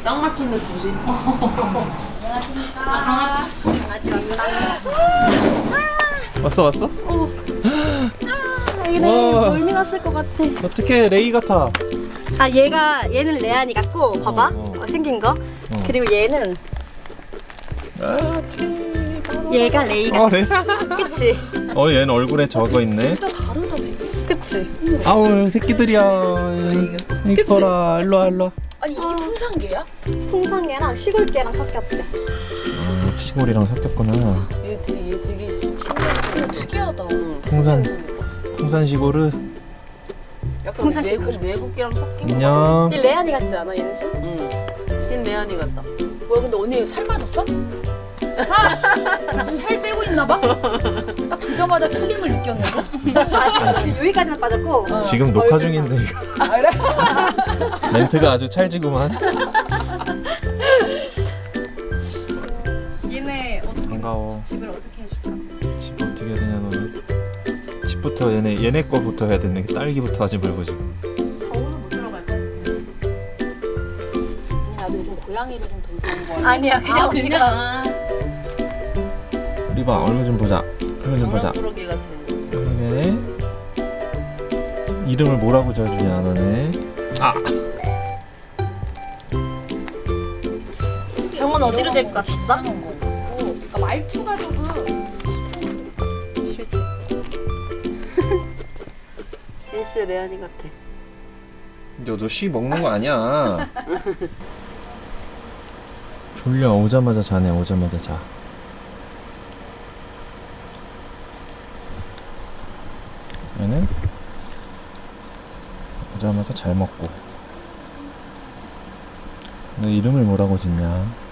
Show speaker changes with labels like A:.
A: 딱 맞췄네, 주시.
B: 강아지
C: 왔어?
B: 여기는
C: 와.
B: 멀미 났을 것 같아.
C: 어떻게 레이 같아?
B: 아 얘는 레안이 같고 봐봐 생긴 거. 그리고 얘는 얘가 레이 같아.
C: 레이?
B: 그치?
C: 얘는 얼굴에 적어 있네.
A: 진짜 다르다, 되게.
B: 그치?
C: 아우 새끼들이야. 이뻐라. 일로 와.
A: 아니, 이게 풍산개야?
B: 풍산개랑 시골개랑 섞였대.
C: 시골이랑 섞였구나.
A: 얘 되게 신기하다. 특이하다.
C: 풍산 시골은.
A: 약간
B: 풍산식으로.
A: 외국이랑 섞인 거.
C: 안녕.
B: 얘 레안이 같지 않아 얘는 좀?
A: 응. 걘 레안이 같다. 뭐야, 근데 언니 살 빠졌어? 살 빼고 있나 봐? 딱 보자마자 슬림을 느꼈는데.
B: 아직 여기까지는 빠졌고.
C: 지금 녹화 중인데 이거.
A: 아, 그래?
C: 멘트가 아주 찰지구만.
B: 얘네 어떻게
C: 반가워.
B: 집을 어떻게 해줄까?
C: 집 어떻게 해야 되냐 너는. 집부터 얘네 거부터 해야 되네. 딸기부터 하지 말고 지금.
B: 더우면 못 들어갈 거지.
A: 나도 요즘 고양이로 좀 돌보는 거
B: 아니야 그냥 우리가
C: 우리 봐 얼굴 좀 보자. 얼굴 좀 보자.
A: 장난꾸러기 같이.
C: 그러게. 이름을 뭐라고 지어주냐 너네.
B: 병원 어디로 데리고 갔었어?
A: 그러니까 말투가 조금 진짜 레안이 같아.
C: 근데 너 쉬 먹는 거 아니야. 졸려. 오자마자 자네. 오자마자 자. 얘는 오자마자 잘 먹고. 너 이름을 뭐라고 짓냐?